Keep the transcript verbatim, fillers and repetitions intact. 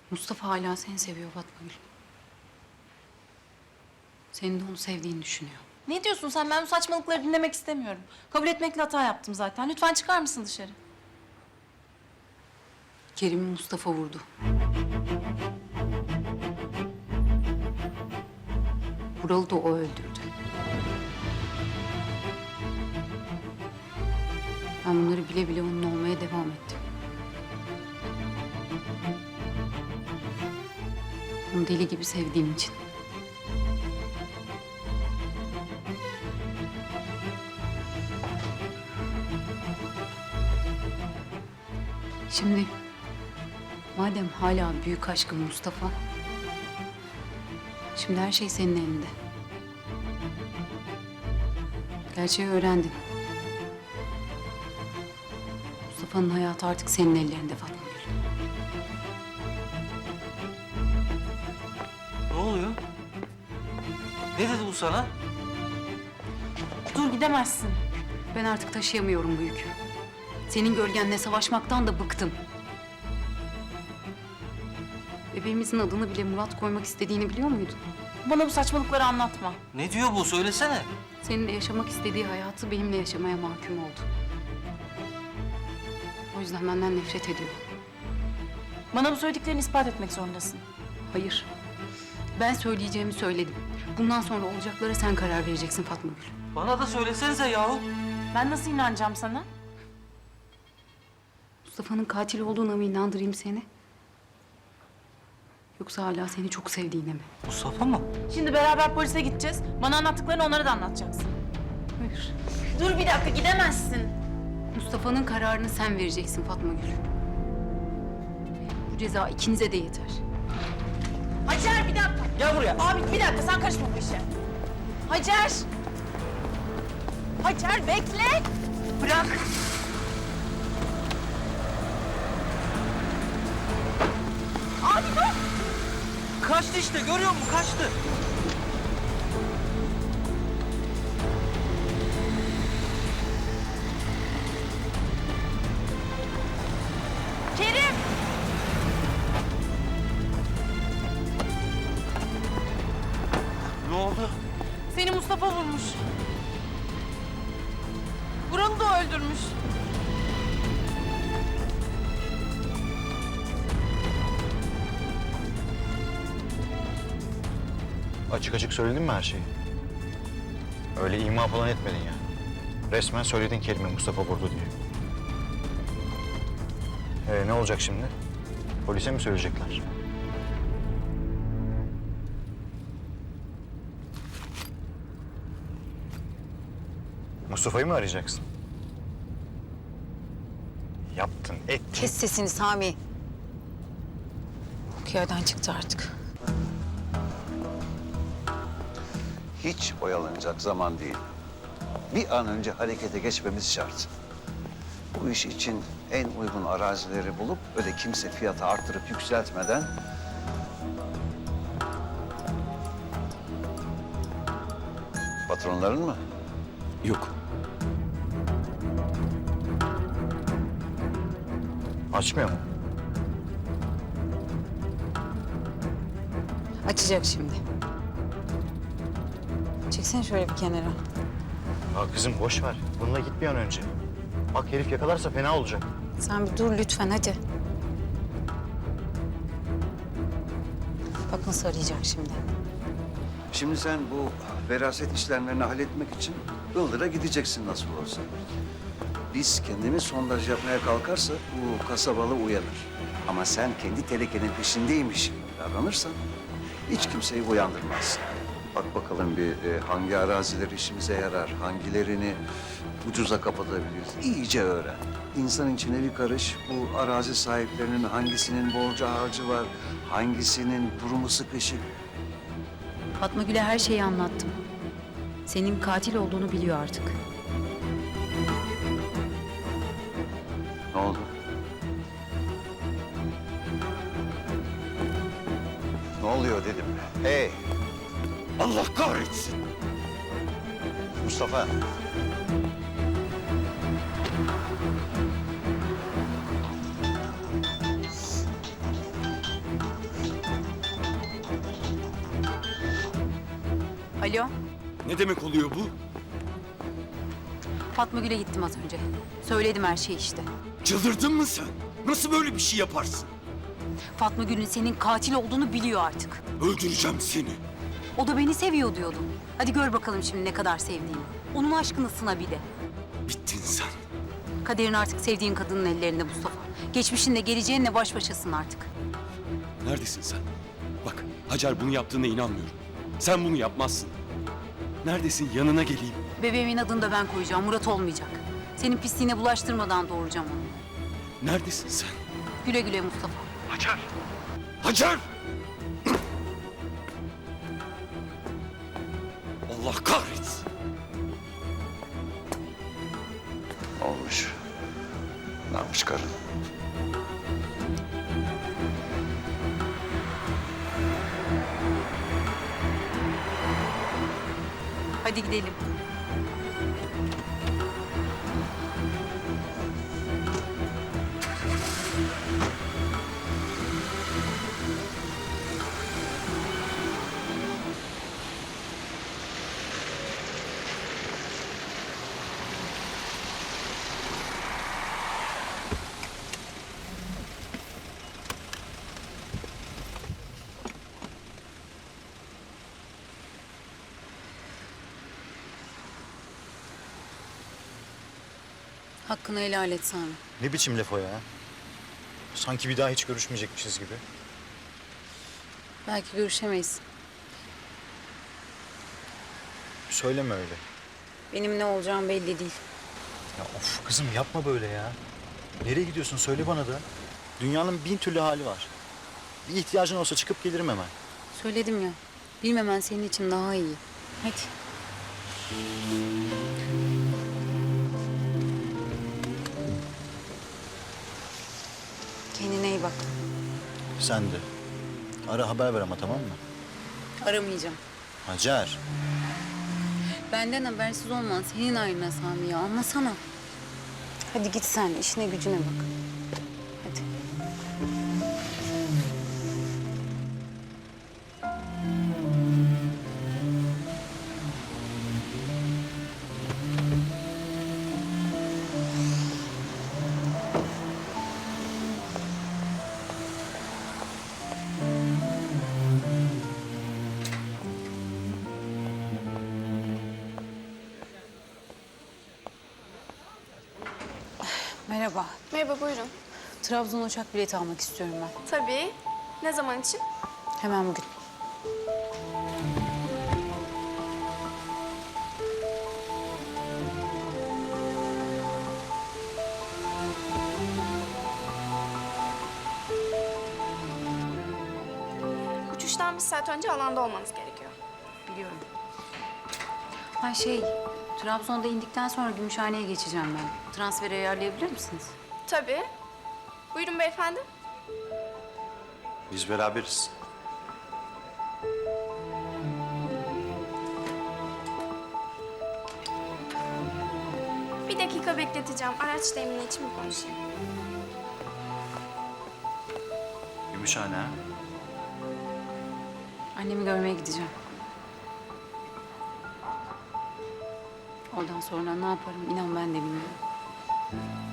Mustafa hala seni seviyor Fatma Gül. Senin de onu sevdiğini düşünüyor. Ne diyorsun sen? Ben bu saçmalıkları dinlemek istemiyorum. Kabul etmekle hata yaptım zaten. Lütfen çıkar mısın dışarı? Kerim'i Mustafa vurdu. Vural'ı da o öldürdü. Ben bunları bile bile onun olmaya devam ettim. Onu deli gibi sevdiğim için. Şimdi madem hala büyük aşkın Mustafa, şimdi her şey senin elinde. Gerçeği öğrendin. Mustafa'nın hayatı artık senin ellerinde Fatma Gül. Ne oluyor? Ne dedi bu sana? Dur gidemezsin. Ben artık taşıyamıyorum bu yükü. Senin gölgenle savaşmaktan da bıktım. Bebeğimizin adını bile Murat koymak istediğini biliyor muydun? Bana bu saçmalıkları anlatma. Ne diyor bu? Söylesene. Seninle yaşamak istediği hayatı benimle yaşamaya mahkum oldu. O yüzden benden nefret ediyor. Bana bu söylediklerini ispat etmek zorundasın. Hayır. Ben söyleyeceğimi söyledim. Bundan sonra olacaklara sen karar vereceksin Fatma Gül. Bana da söylesenize yahu. Ben nasıl inanacağım sana? Mustafa'nın katil olduğuna mı inandırayım seni? Yoksa hala seni çok sevdiğine mi? Mustafa mı? Şimdi beraber polise gideceğiz. Bana anlattıklarını onlara da anlatacaksın. Hayır. Dur bir dakika gidemezsin. Mustafa'nın kararını sen vereceksin Fatma Gül. Bu ceza ikinize de yeter. Hacer bir dakika. Gel buraya. Abi bir dakika sen karışma bu işe. Hacer. Hacer bekle. Bırak. Abi dur. Kaçtı işte. Görüyor musun? Kaçtı. Kerim. Ne oldu? Seni Mustafa vurmuş. Vural'ı da öldürmüş. Açık açık söyledin mi her şeyi? Öyle ima falan etmedin ya. Resmen söyledin Kerim'i Mustafa vurdu diye. Ee, ne olacak şimdi? Polise mi söyleyecekler? Mustafa'yı mı arayacaksın? Yaptın, ettin. Kes sesini Sami. Bu yerden çıktı artık. Hiç oyalanacak zaman değil. Bir an önce harekete geçmemiz şart. Bu iş için en uygun arazileri bulup öyle kimse fiyatı arttırıp yükseltmeden... Patronların mı? Yok. Açmıyor mu? Açacak şimdi. Çeksene şöyle bir kenara. Ya kızım boş ver. Bununla git bir an önce. Bak herif yakalarsa fena olacak. Sen bir dur lütfen hadi. Bak nasıl arayacak şimdi. Şimdi sen bu veraset işlemlerini halletmek için Ildır'a gideceksin nasıl olsa. Biz kendimiz sondaj yapmaya kalkarsa bu kasabalı uyanır. Ama sen kendi telekenin peşindeymiş gibi davranırsan hiç kimseyi uyandırmazsın. Bak bakalım bir e, hangi araziler işimize yarar, hangilerini ucuza kapatabiliriz. İyice öğren. İnsan içine bir karış bu arazi sahiplerinin hangisinin borcu harcı var, hangisinin durumu sıkışık. Fatma Gül'e her şeyi anlattım. Senin katil olduğunu biliyor artık. Ne oldu? Ne oluyor dedim. Hey! Allah kahretsin! Mustafa. Alo, Ne demek oluyor bu? Fatma Gül'e gittim az önce. Söyledim her şeyi işte. Çıldırdın mı sen? Nasıl böyle bir şey yaparsın? Fatma Gül'ün senin katil olduğunu biliyor artık. Öldüreceğim seni. O da beni seviyor diyordu. Hadi gör bakalım şimdi ne kadar sevdiğini. Onun aşkını sına bir de. Bittin sen. Kaderin artık sevdiğin kadının ellerinde Mustafa. Geçmişinle geleceğinle baş başasın artık. Neredesin sen? Bak, Hacer bunu yaptığına inanmıyorum. Sen bunu yapmazsın. Neredesin? Yanına geleyim. Bebeğimin adını da ben koyacağım. Murat olmayacak. Senin pisliğine bulaştırmadan doğuracağım onu. Neredesin sen? Güle güle Mustafa. Hacer! Hacer! Allah kahretsin. Olmuş. Ne yapmış karın? Hadi gidelim. Hakkını helal et Sami. Ne biçim laf o ya? Sanki bir daha hiç görüşmeyecekmişiz gibi. Belki görüşemeyiz. Söyleme öyle. Benim ne olacağım belli değil. Ya of kızım yapma böyle ya. Nereye gidiyorsun söyle bana da. Dünyanın bin türlü hali var. Bir ihtiyacın olsa çıkıp gelirim hemen. Söyledim ya. Bilmemen senin için daha iyi. Hadi. Kendine iyi bak. Sen de. Ara haber ver ama tamam mı? Aramayacağım. Hacer. Benden habersiz olman senin ayrına Sami ya. Anlasana. Hadi git sen. işine gücüne bak. Hadi. Merhaba. Merhaba, buyurun. Trabzon uçak bileti almak istiyorum ben. Tabii. Ne zaman için? Hemen bugün. Uçuştan bir saat önce alanda olmanız gerekiyor. Biliyorum. Ha şey, Trabzon'da indikten sonra Gümüşhane'ye geçeceğim ben. Transferi ayarlayabilir misiniz? Tabii. Buyurun beyefendi. Biz beraberiz. Bir dakika bekleteceğim. Araç temini için bir konuşayım. Gümüşhane ha? Annemi görmeye gideceğim. Oradan sonra ne yaparım inan ben de bilmiyorum.